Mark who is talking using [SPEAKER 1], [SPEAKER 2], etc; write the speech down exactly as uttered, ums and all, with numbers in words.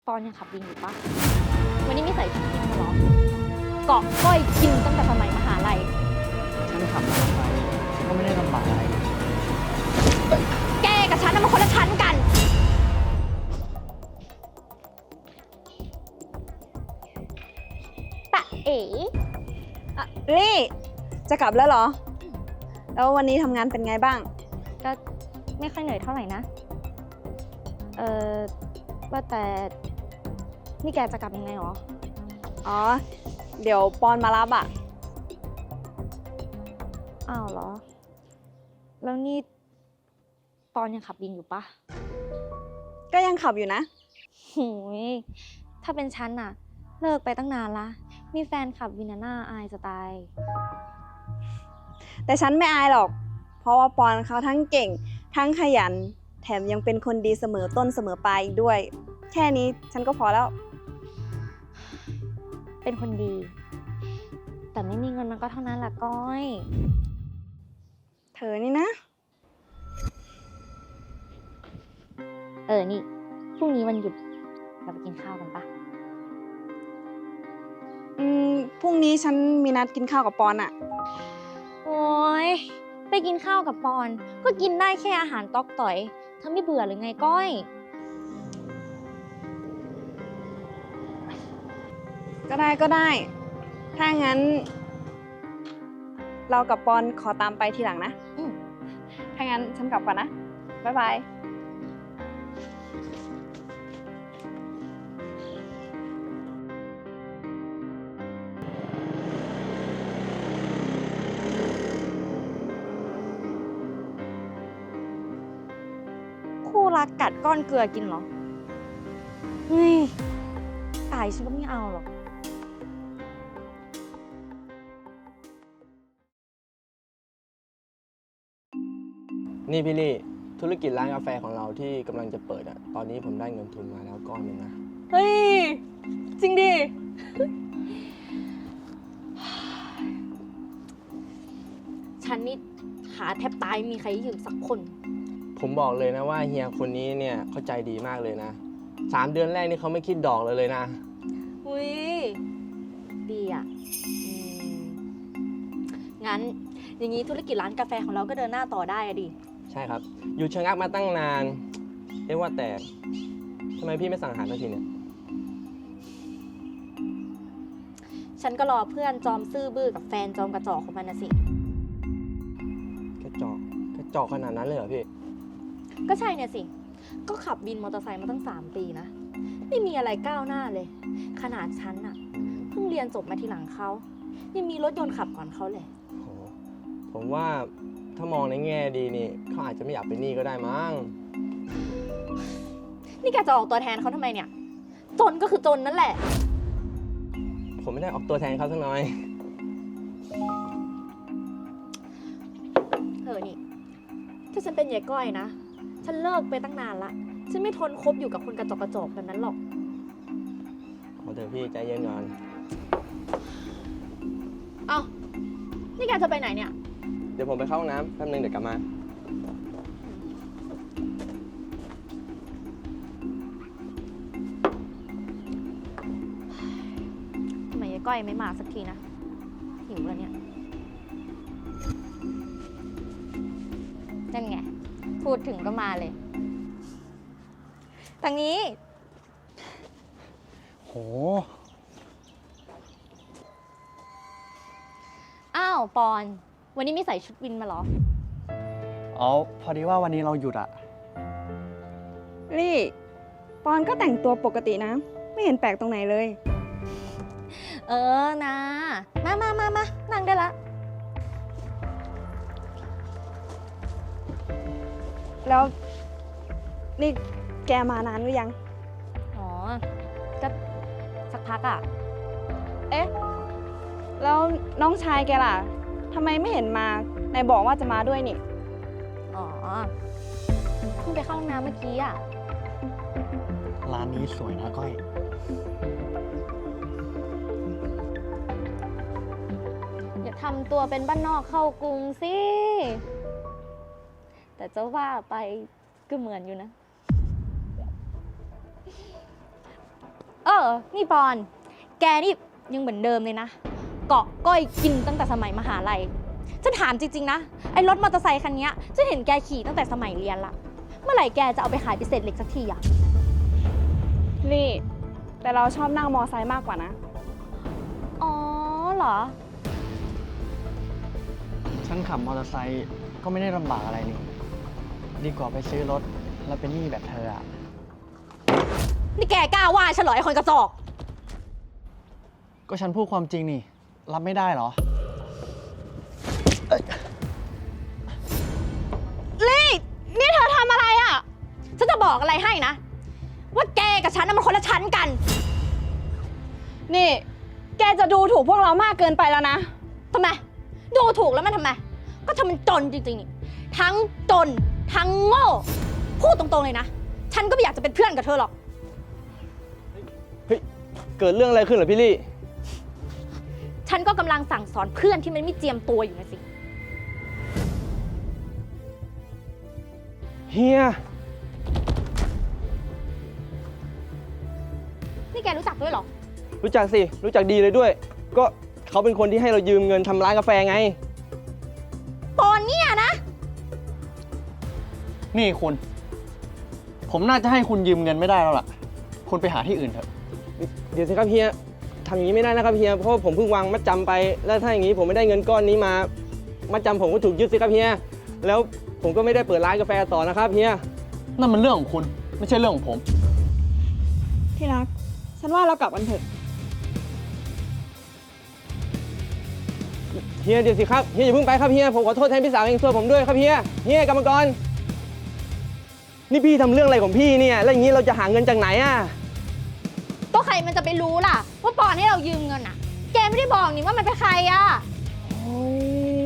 [SPEAKER 1] ปอนยังขับวินอยู่ปะวันนี้ไม่ใส่ชุดวินมาหรอเกาะก้อยกินตั้งแต่สมัยมหาลัย
[SPEAKER 2] ฉันขับมาทำไมฉันก็ไม่ได้ลำบากอะไร
[SPEAKER 1] แกกับฉันน่ะมันคนละชั้นกันปะเอ๋
[SPEAKER 3] อะลี่จะกลับแล้วเหรอ แล้ววันนี้ทำงานเป็นไงบ้าง
[SPEAKER 1] ก็ไม่ค่อยเหนื่อยเท่าไหร่นะเออว่าแต่นี่แกจะกลับยังไงหรอ
[SPEAKER 3] อ๋อ เดี๋ยวปอนมารับอ่ะ
[SPEAKER 1] อ้าวเหรอแล้วนี่ปอนยังขับวินอยู่ปะ
[SPEAKER 3] ก็ยังขับอยู่นะ
[SPEAKER 1] หูยถ้าเป็นฉันน่ะเลิกไปตั้งนานละมีแฟนขับวินน่าอายจะตาย
[SPEAKER 3] แต่ฉันไม่อายหรอก เพราะว่าปอนเขาทั้งเก่ง ทั้งขยัน แถมยังเป็นคนดีเสมอต้นเสมอปลายอีกด้วย แค่นี้ฉันก็พอแล้ว
[SPEAKER 1] เป็นคนดี แต่ไม่มีเงินมันก็เท่านั้นแหละก้อย
[SPEAKER 3] เธอนี่นะ
[SPEAKER 1] เออนี่พรุ่งนี้วันหยุดเราไปกินข้าวกันปะ
[SPEAKER 3] อืม พรุ่งนี้ฉันมีนัดกินข้าวกับปอนอ่ะ
[SPEAKER 1] โอ้ยไปกินข้าวกับปอนก็กินได้แค่อาหารต๊อกต่อยเธอไม่เบื่อหรือไงก้อย
[SPEAKER 3] ก็ได้ก็ได้ ถ้างั้น เรากับปอนขอตามไปทีหลังนะ
[SPEAKER 1] อืม
[SPEAKER 3] ถ้างั้นฉันกลับก่อนนะ บ๊ายบาย
[SPEAKER 1] คู่รักกัดก้อนเกลือกินเหรอเฮ้ยตายฉันก็ไม่เอาหรอก
[SPEAKER 2] นี่พี่ลี่ธุรกิจร้านกาแฟของเราที่กำลังจะเปิดอ่ะตอนนี้ผมได้เงินทุนมาแล้วก้อนหนึงนะ
[SPEAKER 1] เฮ้ย จริงดิ ฉันนี่หาแทบตายมีใครยืมสักคน
[SPEAKER 2] ผมบอกเลยนะว่าเฮียคนนี้เนี่ยเข้าใจดีมากเลยนะสามเดือนแรกนี่เขาไม่คิดดอกเลยเลยนะ
[SPEAKER 1] อุ้ยดีอ่ะอืมงั้นอย่างนี้ธุรกิจร้านกาแฟของเราก็เดินหน้าต่อได้อะดิ
[SPEAKER 2] ใช่ครับอยู่ชะงักมาตั้งนานเรียกว่าแต่ทำไมพี่ไม่สั่งอาหารสักทีเนี่ย
[SPEAKER 1] ฉันก็รอเพื่อนจอมซื่อบื้อกับแฟนจอมกระจอกของมันนะสิ
[SPEAKER 2] กระจอกกระจอกขนาดนั้นเลยเหรอพี่
[SPEAKER 1] ก็ใช่เนี่ยสิ ก็ขับบินมอเตอร์ไซค์มาตั้งสามปีนะ ไม่มีอะไรก้าวหน้าเลย ขนาดฉันน่ะเพิ่งเรียนจบมาทีหลังเขายังมีรถยนต์ขับก่อนเขาเลย
[SPEAKER 2] โหผมว่าถ้ามองในแง่ดีนี่เขาอาจจะไม่อยากเป็นหนี้ก็ได้มั้ง
[SPEAKER 1] นี่แกจะออกตัวแทนเขาทำไมเนี่ย จนก็คือจนนั่นแหละ
[SPEAKER 2] ผมไม่ได้ออกตัวแทนเขาสักหน่อย
[SPEAKER 1] เธอนี่ ถ้าฉันเป็นยายก้อยนะ ฉันเลิกไปตั้งนานละ ฉันไม่ทนคบอยู่กับคนกระจอกกระจอกแบบนั้นหรอก
[SPEAKER 2] เอาเถอะพี่ใจเย็นก่อน
[SPEAKER 1] เอ้า นี่แกจะไปไหนเนี่ย
[SPEAKER 2] เดี๋ยวผมไปเข้าห้องน้ำแป๊บนึงเดี๋ยวกลับมา
[SPEAKER 1] ทำไมยายก้อยไม่มาสักทีนะ หิวแล้วเนี่ย นั่นไง พูดถึงก็มาเลยทางนี้
[SPEAKER 2] โห
[SPEAKER 1] อ้าวปอน วันนี้ไม่ใส่ชุดวินมาเหรอ
[SPEAKER 4] อ๋อ พอดีว่าวันนี้เราหยุดอะ
[SPEAKER 3] ลี่ ปอนก็แต่งตัวปกตินะ ไม่เห็นแปลกตรงไหนเลย
[SPEAKER 1] เออนะ มามามามานั่งได้ละ
[SPEAKER 3] แล้วนี่แกมานานหรือยัง
[SPEAKER 1] อ๋อ ก็สักพักอ่ะ
[SPEAKER 3] เอ๊ะ แล้วน้องชายแกล่ะ ทำไมไม่เห็นมาไหนบอกว่าจะมาด้วยนี่
[SPEAKER 1] อ๋อ เพิ่งไปเข้าห้องน้ำเมื่อกี้อ่ะ
[SPEAKER 4] ร้านนี้สวยนะก้อย
[SPEAKER 1] อย่าทำตัวเป็นบ้านนอกเข้ากรุงสิ แต่จะว่าไปก็เหมือนอยู่นะเออ นี่ปอน แกนี่ยังเหมือนเดิมเลยนะ เกาะก้อยกินตั้งแต่สมัยมหาลัย ฉันถามจริงๆนะ ไอ้รถมอเตอร์ไซคันนี้ฉันเห็นแกขี่ตั้งแต่สมัยเรียนละ เมื่อไหร่แกจะเอาไปขายพิเศษเหล็กสักทีอะ
[SPEAKER 3] ลี่ แต่เราชอบนั่งมอไซค์มากกว่านะ
[SPEAKER 1] อ๋อเหรอ
[SPEAKER 4] ฉันขับมอเตอร์ไซค์ก็ไม่ได้ลำบากอะไรนี่ ดีกว่าไปซื้อรถแล้วเป็นหนี้แบบเธออะ
[SPEAKER 1] นี่แกกล้าว่าฉันเหรอไอ้คนกระจอก
[SPEAKER 4] ก็ฉันพูดความจริงนี่ รับไม่ได้เหรอ
[SPEAKER 1] ลี่ นี่เธอทำอะไรอะ่ะ ฉันจะบอกอะไรให้นะ ว่าแกกับฉันน่ะมันคนละชั้นกัน
[SPEAKER 3] นี่ แกจะดูถูกพวกเรามากเกินไปแล้วนะ
[SPEAKER 1] ทำไม ดูถูกแล้วมันทำไม ก็ทำมันจนจริงๆนี่ ทั้งจน ทั้งโง่ พูดตรงๆเลยนะ ฉันก็ไม่อยากจะเป็นเพื่อนกับเธอหรอก
[SPEAKER 2] เฮ้ย เกิดเรื่องอะไรขึ้นเหรอพี่ลี่
[SPEAKER 1] ฉันก็กำลังสั่งสอนเพื่อนที่มันไม่เจียมตัวอยู่นะสิ
[SPEAKER 2] เฮีย
[SPEAKER 1] นี่แกรู้จักด้วยเหรอ
[SPEAKER 2] รู้จักสิ รู้จักดีเลยด้วย ก็เขาเป็นคนที่ให้เรายืมเงินทำร้านกาแฟไง
[SPEAKER 1] ตอนเนี้ยนะ
[SPEAKER 4] นี่คุณ ผมน่าจะให้คุณยืมเงินไม่ได้แล้วล่ะ คุณไปหาที่อื่นเถอะ
[SPEAKER 2] เดี๋ยวสิครับเฮียทำอย่างนี้ไม่ได้นะครับเฮีย เพราะว่าผมเพิ่งวางมัดจำไป แล้วถ้าอย่างนี้ผมไม่ได้เงินก้อนนี้มา มัดจำผมก็ถูกยึดสิครับเฮีย แล้วผมก็ไม่ได้เปิดร้านกาแฟต่อนะครับเฮีย
[SPEAKER 4] นั่นมันเรื่องของคุณ ไม่ใช่เรื่องของผม
[SPEAKER 3] ที่รัก ฉันว่าเรากลับกันเถอะ
[SPEAKER 2] เฮียเดี๋ยวสิครับ เฮียอย่าเพิ่งไปครับเฮีย ผมขอโทษแทนพี่สาวเองช่วยผมด้วยครับเฮีย เฮียกรรมกร นี่พี่ทำเรื่องอะไรของพี่เนี่ย แล้วอย่างนี้เราจะหาเงินจากไหนอ่ะ
[SPEAKER 1] ก็ใครมันจะไปรู้ล่ะ ว่าปอนให้เรายืมเงินอ่ะ แกไม่ได้บอกนี่ว่ามันเป็นใครอ่ะ
[SPEAKER 2] โอ้ย